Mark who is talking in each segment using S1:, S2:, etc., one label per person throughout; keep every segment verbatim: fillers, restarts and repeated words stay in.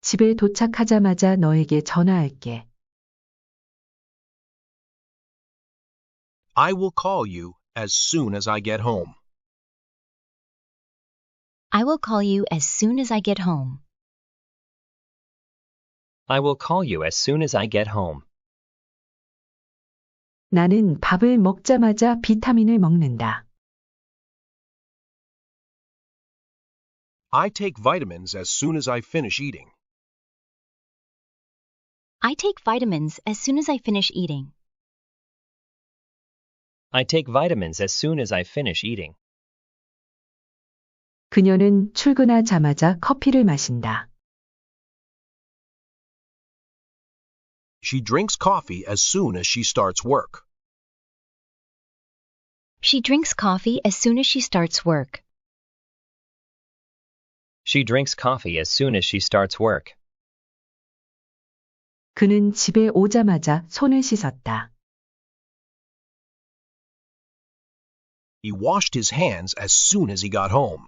S1: 집에 도착하자마자 너에게 전화할게.
S2: I will call you as soon as I get home.
S3: I will call you as soon as I get home.
S4: I will call you as soon as I get home.
S1: 나는 밥을 먹자마자 비타민을 먹는다.
S2: I take vitamins as soon as I finish eating.
S3: I take vitamins as soon as I finish eating.
S4: I take vitamins as soon as I finish eating.
S1: 그녀는 출근하자마자 커피를 마신다.
S2: She drinks coffee as soon as she starts work.
S3: She drinks coffee as soon as she starts work.
S4: She drinks coffee as soon as she starts work.
S1: 그는 집에 오자마자 손을 씻었다.
S2: He washed his hands as soon as he got home.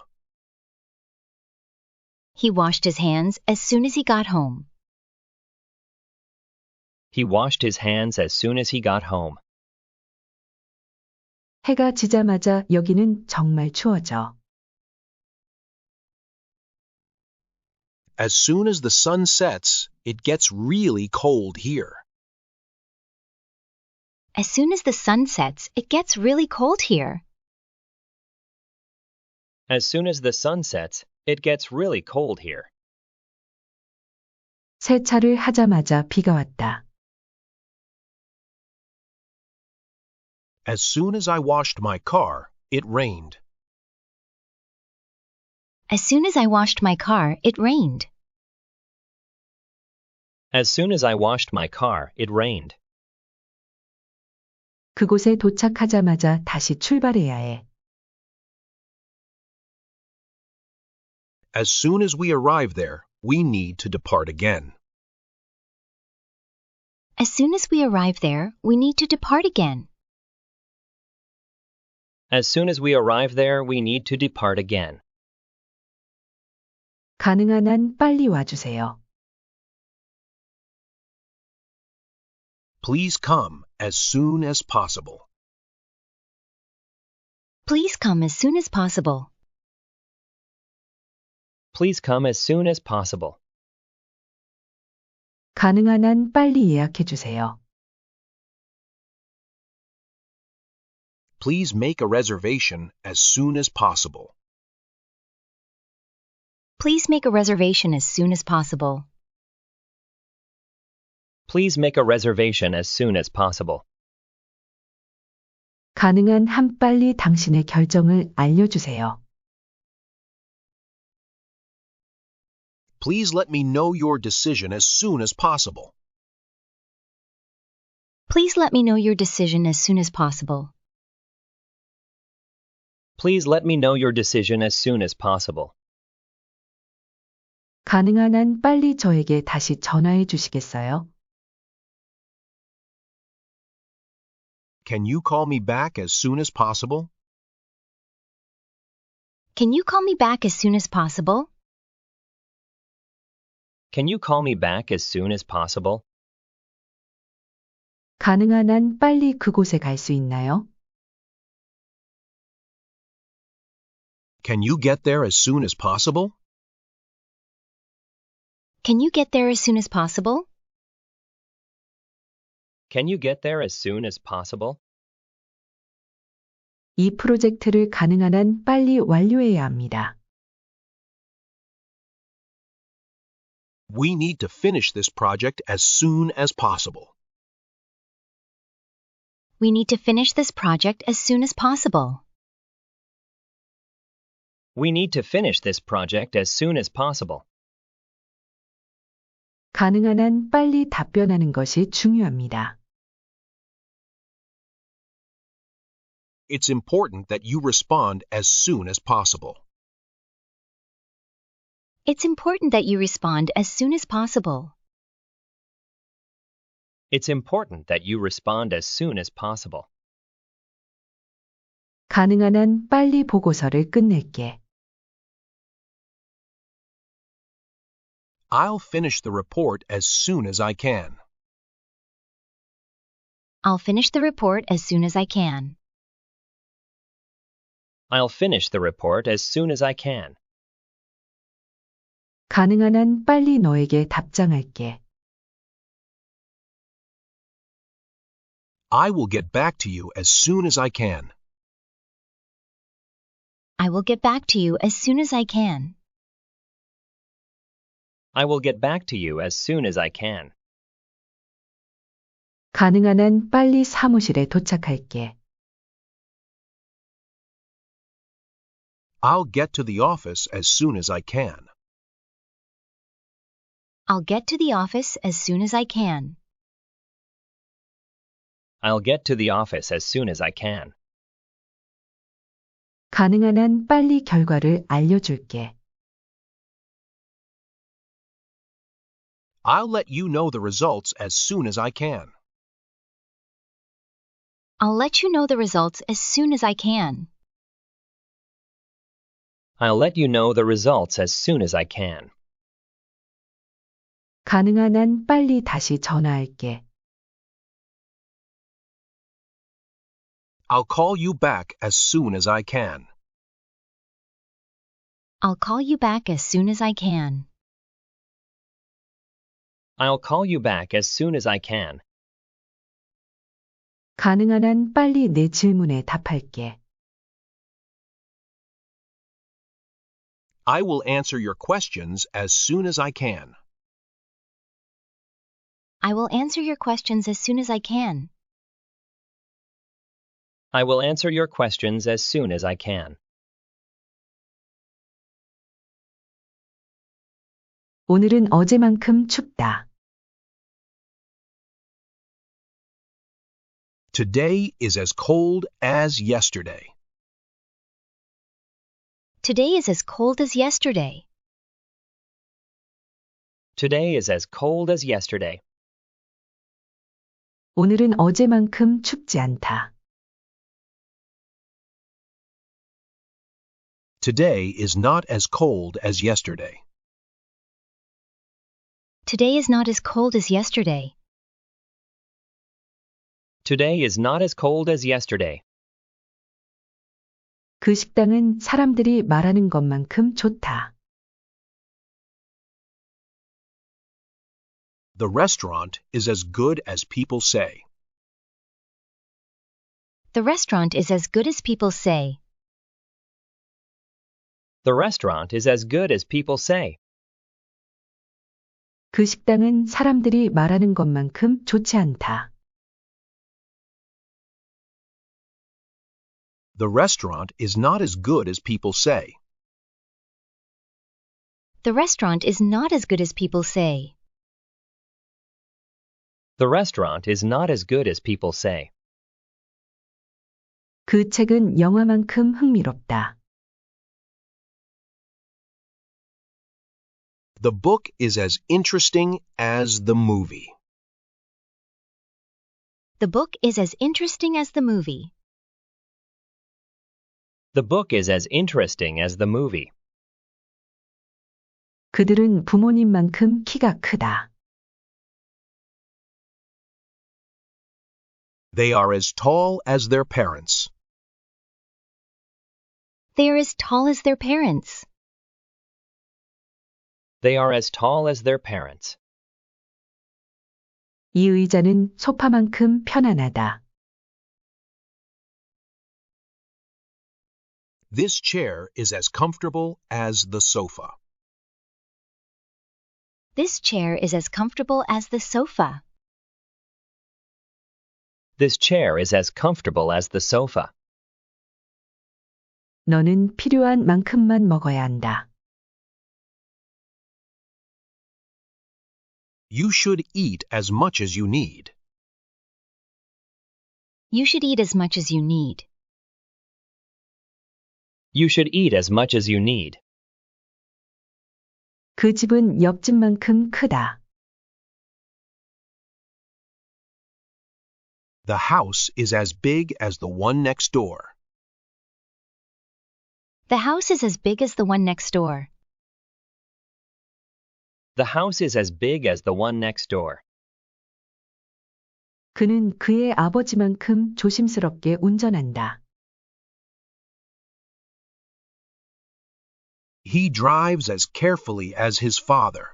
S3: He washed his hands as soon as he got home.
S4: He washed his hands as soon as he got home.
S1: 해가 지자마자 여기는 정말 추워져.
S2: As soon as the sun sets, it gets really cold here.
S3: As soon as the sun sets, it gets really cold here.
S4: As soon as the sun sets, it gets really cold here.
S1: 세차를 하자마자 비가 왔다.
S2: As soon as I washed my car, it rained.
S3: As soon as I washed my car, it rained.
S4: As soon as I washed my car, it rained.
S1: 그곳에 도착하자마자 다시 출발해야 해.
S2: As soon as we arrive there, we need to depart again.
S3: As soon as we arrive there, we need to depart again.
S4: As soon as we arrive there, we need to depart again.
S1: 가능한 한 빨리 와주세요.
S2: Please come as soon as possible.
S3: Please come as soon as possible.
S4: Please come as soon as possible.
S1: 가능한 한 빨리 예약해 주세요.
S2: Please make a reservation as soon as possible.
S3: Please make a reservation as soon as possible.
S4: Please make a reservation as soon as possible.
S1: 가능한 한 빨리 당신의 결정을 알려주세요.
S2: Please let me know your decision as soon as possible.
S3: Please let me know your decision as soon as possible.
S4: Please let me know your decision as soon as possible.
S1: 가능한 한 빨리 저에게 다시 전화해 주시겠어요?
S2: Can you call me back as soon as possible?
S3: Can you call me back as soon as possible?
S4: Can you call me back as soon as possible?
S1: 가능한 한 빨리 그곳에 갈 수 있나요?
S2: Can you get there as soon as possible?
S3: Can you get there as soon as possible?
S4: Can you get there as soon as possible?
S1: 이 프로젝트를 가능한 한 빨리 완료해야 합니다.
S2: We need to finish this project as soon as possible.
S3: We need to finish this project as soon as possible.
S4: We need to finish this project as soon as possible.
S1: 가능한 한 빨리 답변하는 것이 중요합니다.
S2: It's important that you respond as soon as possible.
S3: It's important that you respond as soon as possible.
S4: It's important that you respond as soon as possible.
S1: 가능한 한 빨리 보고서를 끝낼게.
S2: I'll finish the report as soon as I can.
S3: I'll finish the report as soon as I can.
S4: I'll finish the report as soon as I can.
S1: 가능한 한 빨리 너에게 답장할게.
S2: I will get back to you as soon as I can.
S3: I will get back to you as soon as I can.
S4: I will get back to you as soon as I can.
S1: 가능한 한 빨리 사무실에 도착할게.
S2: I'll get to the office as soon as I can.
S3: I'll get to the office as soon as I can.
S4: I'll get to the office as soon as I can.
S1: 가능한 한 빨리 결과를 알려줄게.
S2: I'll let you know the results as soon as I can.
S3: I'll let you know the results as soon as I can.
S4: I'll let you know the results as soon as I can.
S1: 가능한 한 빨리 다시 전화할게.
S2: I'll call you back as soon as I can.
S3: I'll call you back as soon as I can.
S4: I'll call you back as soon as I can.
S1: 가능한 한 빨리 내 질문에 답할게.
S2: I will answer your questions as soon as I can.
S3: I will answer your questions as soon as I can.
S4: I will answer your questions as soon as I can.
S1: 오늘은 어제만큼 춥다.
S2: Today is as cold as yesterday.
S3: Today is as cold as yesterday.
S4: Today is as cold as yesterday.
S1: 오늘은 어제만큼 춥지 않다.
S2: Today is not as cold as yesterday.
S3: Today is not as cold as yesterday.
S4: Today is not as cold as yesterday.
S1: 그 식당은 사람들이 말하는 것만큼 좋다.
S2: The restaurant is as good as people say.
S3: The restaurant is as good as people say.
S4: The restaurant is as good as people say.
S1: 그 식당은 사람들이 말하는 것만큼 좋지 않다.
S2: The restaurant is not as good as people say.
S3: The restaurant is not as good as people say.
S4: The restaurant is not as good as people say.
S1: 그 책은 영화만큼 흥미롭다.
S2: The book is as interesting as the movie.
S3: The book is as interesting as the movie.
S4: The book is as interesting as the movie.
S1: 그들은 부모님만큼 키가 크다.
S2: They are as tall as their parents.
S3: They are as tall as their parents.
S4: They are as tall as their parents.
S1: 이 의자는 소파만큼 편안하다.
S2: This chair is as comfortable as the sofa.
S3: This chair is as comfortable as the sofa.
S4: This chair is as comfortable as the sofa.
S1: 너는 필요한 만큼만 먹어야 한다.
S2: You should eat as much as you need.
S3: You should eat as much as you need.
S4: You should eat as much as you need.
S1: 그 집은 옆집만큼 크다.
S2: The house is as big as the one next door.
S3: The house is as big as the one next door.
S4: The house is as big as the one next door.
S1: 그는 그의 아버지만큼 조심스럽게 운전한다.
S2: He drives as carefully as his father.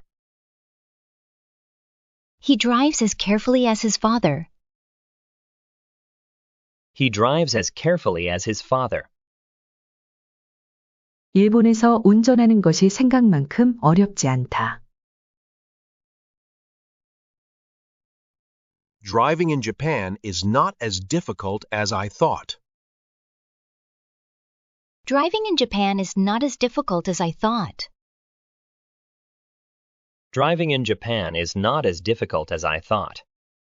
S3: He drives as carefully as his father.
S4: He drives as carefully as his father.
S1: 일본에서 운전하는 것이 생각만큼 어렵지 않다.
S2: Driving in Japan is not as difficult as I thought.
S3: Driving in Japan is not as difficult as I thought.
S4: Driving in Japan is not as difficult as I thought.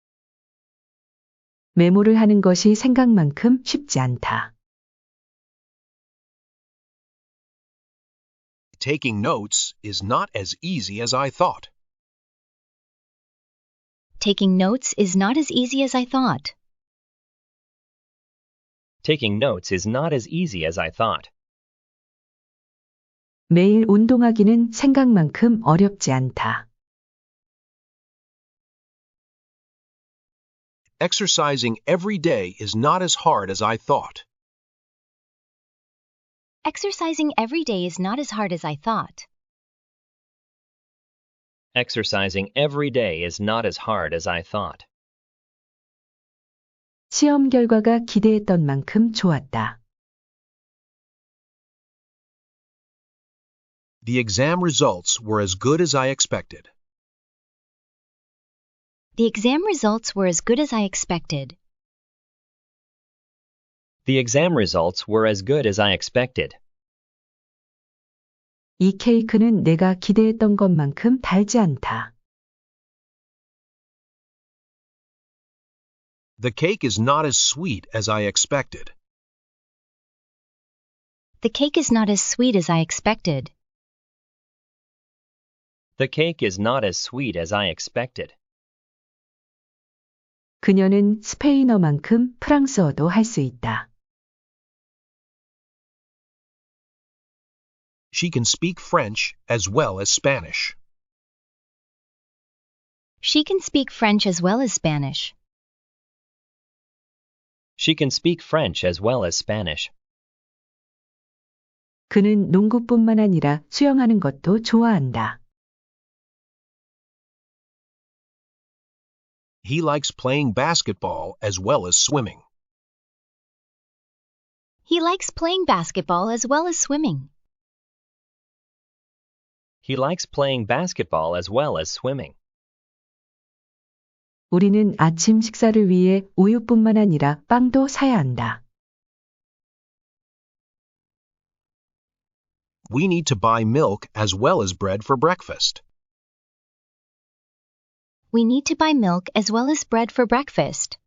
S1: 메모를 하는 것이 생각만큼 쉽지 않다.
S2: Taking notes is not as easy as I thought.
S3: Taking notes is not as easy as I thought.
S4: Taking notes is not as easy as I thought.
S1: 매일 운동하기는 생각만큼 어렵지 않다.
S2: Exercising every day is not as hard as I thought.
S3: Exercising every day is not as hard as I thought.
S4: Exercising every day is not as hard as I thought.
S1: 시험 결과가 기대했던 만큼 좋았다.
S2: The exam results were as good as I expected.
S3: The exam results were as good as I expected.
S4: The exam results were as good as I expected.
S1: 이 케이크는 내가 기대했던 것만큼 달지 않다.
S2: The cake is not as sweet as I expected.
S3: The cake is not as sweet as I expected.
S4: The cake is not as sweet as I expected.
S1: 그녀는 스페인어만큼 프랑스어도 할 수 있다.
S2: She can speak French as well as Spanish.
S3: She can speak French as well as Spanish.
S4: She can speak French as well as Spanish.
S1: 그는 농구뿐만 아니라 수영하는 것도 좋아한다.
S2: He likes playing basketball as well as swimming.
S3: He likes playing basketball as well as swimming.
S4: He likes playing basketball as well as swimming.
S1: 우리는 아침 식사를 위해 우유뿐만 아니라 빵도 사야 한다.
S2: We need to buy milk as well as bread for breakfast.
S3: We need to buy milk as well as bread for breakfast.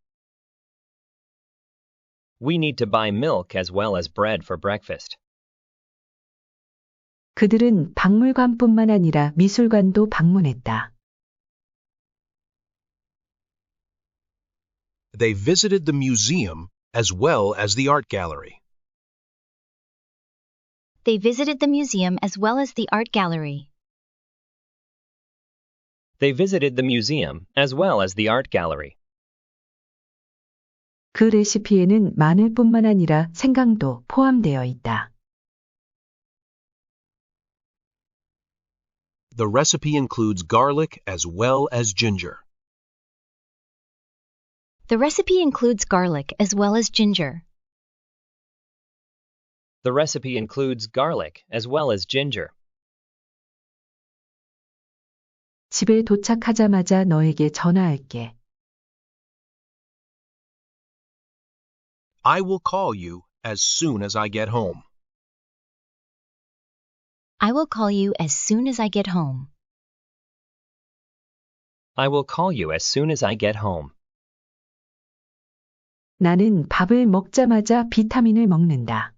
S4: We need to buy milk as well as bread for breakfast.
S1: 그들은 박물관뿐만 아니라 미술관도 방문했다.
S2: They visited the museum as well as the art gallery.
S3: They visited the museum as well as the art gallery.
S4: They visited the museum as well as the art gallery.
S1: 그 레시피에는 마늘뿐만 아니라 생강도 포함되어 있다.
S2: The recipe includes garlic as well as ginger.
S3: The recipe includes garlic as well as ginger.
S4: The recipe includes garlic as well as ginger.
S1: 집에 도착하자마자 너에게 전화할게.
S2: I will call you as soon as I get home.
S3: I will call you as soon as I get home.
S4: I will call you as soon as I get home.
S1: 나는 밥을 먹자마자 비타민을 먹는다.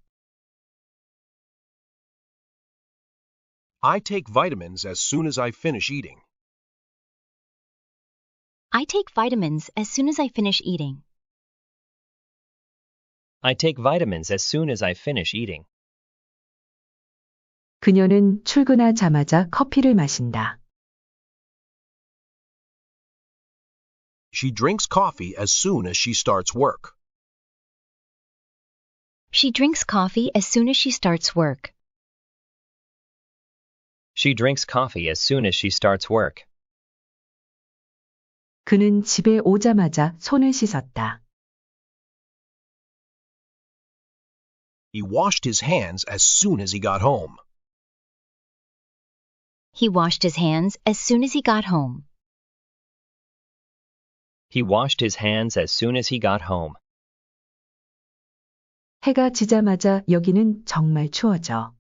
S2: I take vitamins as soon as I finish eating.
S3: I take vitamins as soon as I finish eating.
S4: I take vitamins as soon as I finish eating.
S1: 그녀는 출근하자마자 커피를 마신다.
S2: She drinks coffee as soon as she starts work.
S3: She drinks coffee as soon as she starts work.
S4: She drinks coffee as soon as she starts work.
S1: 그는 집에 오자마자 손을 씻었다.
S2: He washed his hands as soon as he got home.
S3: He washed his hands as soon as he got home.
S4: He washed his hands as soon as he got home.
S1: 해가 지자마자 여기는 정말 추워져.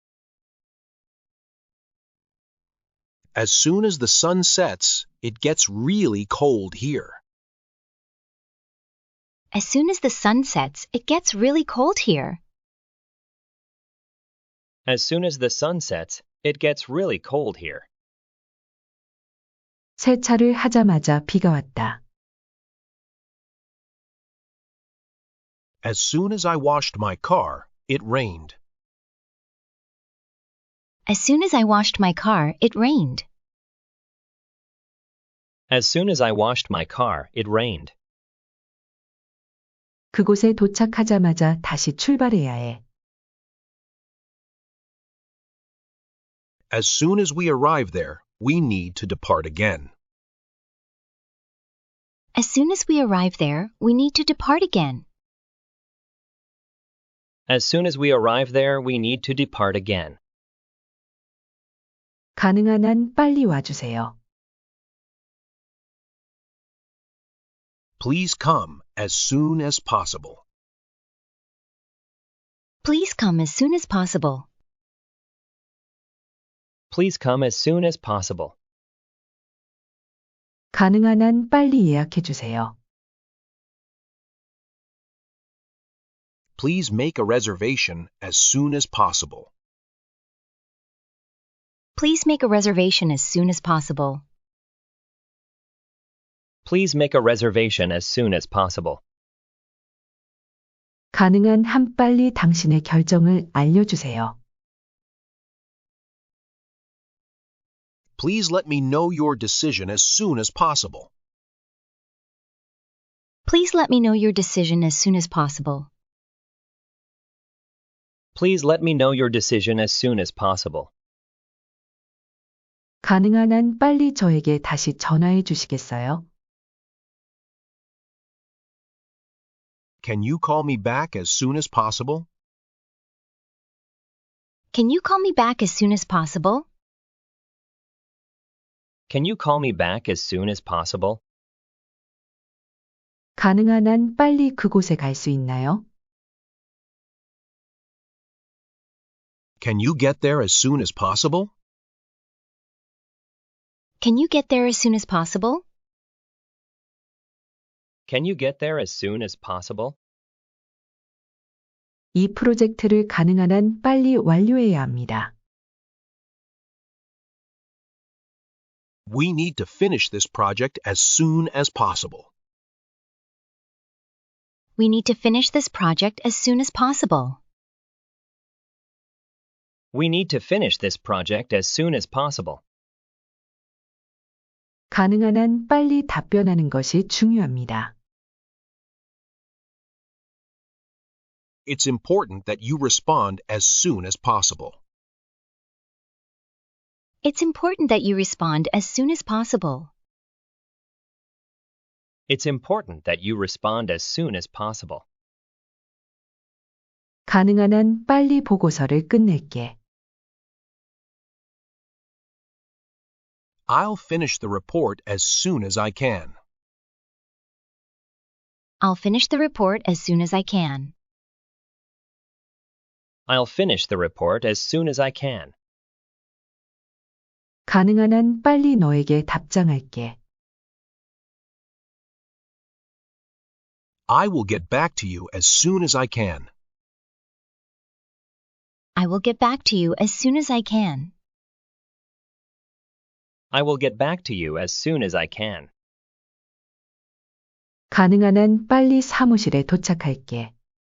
S2: As soon as the sun sets, it gets really cold here.
S3: As soon as the sun sets, it gets really cold here.
S4: As soon as the sun sets, it gets really cold here.
S1: 세차를 하자마자 비가 왔다.
S2: As soon as I washed my car, it rained.
S3: As soon as I washed my car, it rained.
S4: As soon as I washed my car, it rained.
S1: 그곳에 도착하자마자 다시 출발해야 해.
S2: As soon as we arrive there, we need to depart again.
S3: As soon as we arrive there, we need to depart again.
S4: As soon as we arrive there, we need to depart again.
S1: 가능한 한 빨리 와주세요.
S2: Please come as soon as possible.
S3: Please come as soon as possible.
S4: Please come as soon as possible.
S1: 가능한 한 빨리 예약해 주세요.
S2: Please make a reservation as soon as possible.
S3: Please make a reservation as soon as possible.
S4: Please make a reservation as soon as possible.
S1: 가능한 한 빨리 당신의 결정을 알려주세요.
S2: Please let me know your decision as soon as possible.
S3: Please let me know your decision as soon as possible.
S4: Please let me know your decision as soon as possible.
S1: 가능한 한 빨리 저에게 다시 전화해 주시겠어요?
S2: Can you call me back as soon as possible?
S3: Can you call me back as soon as possible?
S4: Can you call me back as soon as possible?
S1: 가능한 한 빨리 그곳에 갈 수 있나요?
S2: Can you get there as soon as possible?
S3: Can you get there as soon as possible?
S4: Can you get there as soon as possible?
S1: 이 프로젝트를 가능한 한 빨리 완료해야 합니다.
S2: We need to finish this project as soon as possible.
S3: We need to finish this project as soon as possible.
S4: We need to finish this project as soon as possible.
S1: 가능한 한 빨리 답변하는 것이 중요합니다.
S2: It's important that you respond as soon as possible.
S3: It's important that you respond as soon as possible.
S4: It's important that you respond as soon as possible.
S1: 가능한 한 빨리 보고서를 끝낼게.
S2: I'll finish the report as soon as I can.
S3: I'll finish the report as soon as I can.
S4: I'll finish the report as soon as I can.
S1: 가능한 한 빨리 너에게 답장할게.
S2: I will get back to you as soon as I can.
S3: I will get back to you as soon as I can.
S4: I will get back to you as soon as I can.
S1: 가능한 한 빨리 사무실에 도착할게.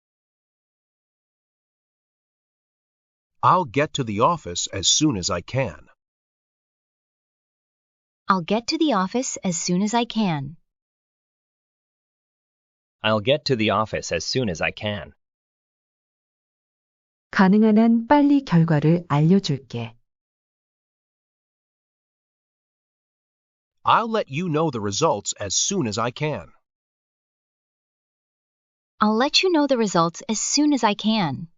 S2: I'll get to the office as soon as I can.
S3: I'll get to the office as soon as I can.
S4: I'll get to the office as soon as I can.
S1: 가능한 한 빨리 결과를 알려줄게.
S2: I'll let you know the results as soon as I can.
S3: I'll let you know the results as soon as I can.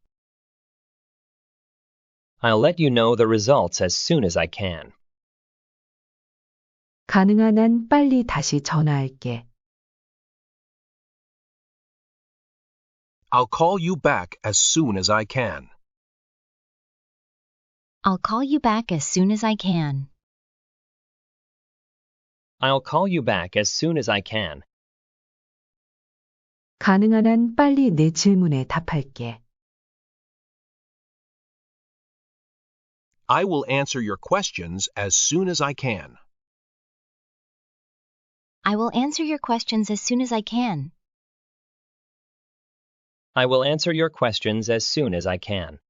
S4: I'll let you know the results as soon as I can.
S1: 가능한 한 빨리 다시 전화할게.
S2: I'll call you back as soon as I can.
S3: I'll call you back as soon as I can.
S4: I'll call you back as soon as I can.
S1: 가능한 한 빨리 내 질문에 답할게.
S2: I will answer your questions as soon as I can.
S3: I will answer your questions as soon as I can.
S4: I will answer your questions as soon as I can.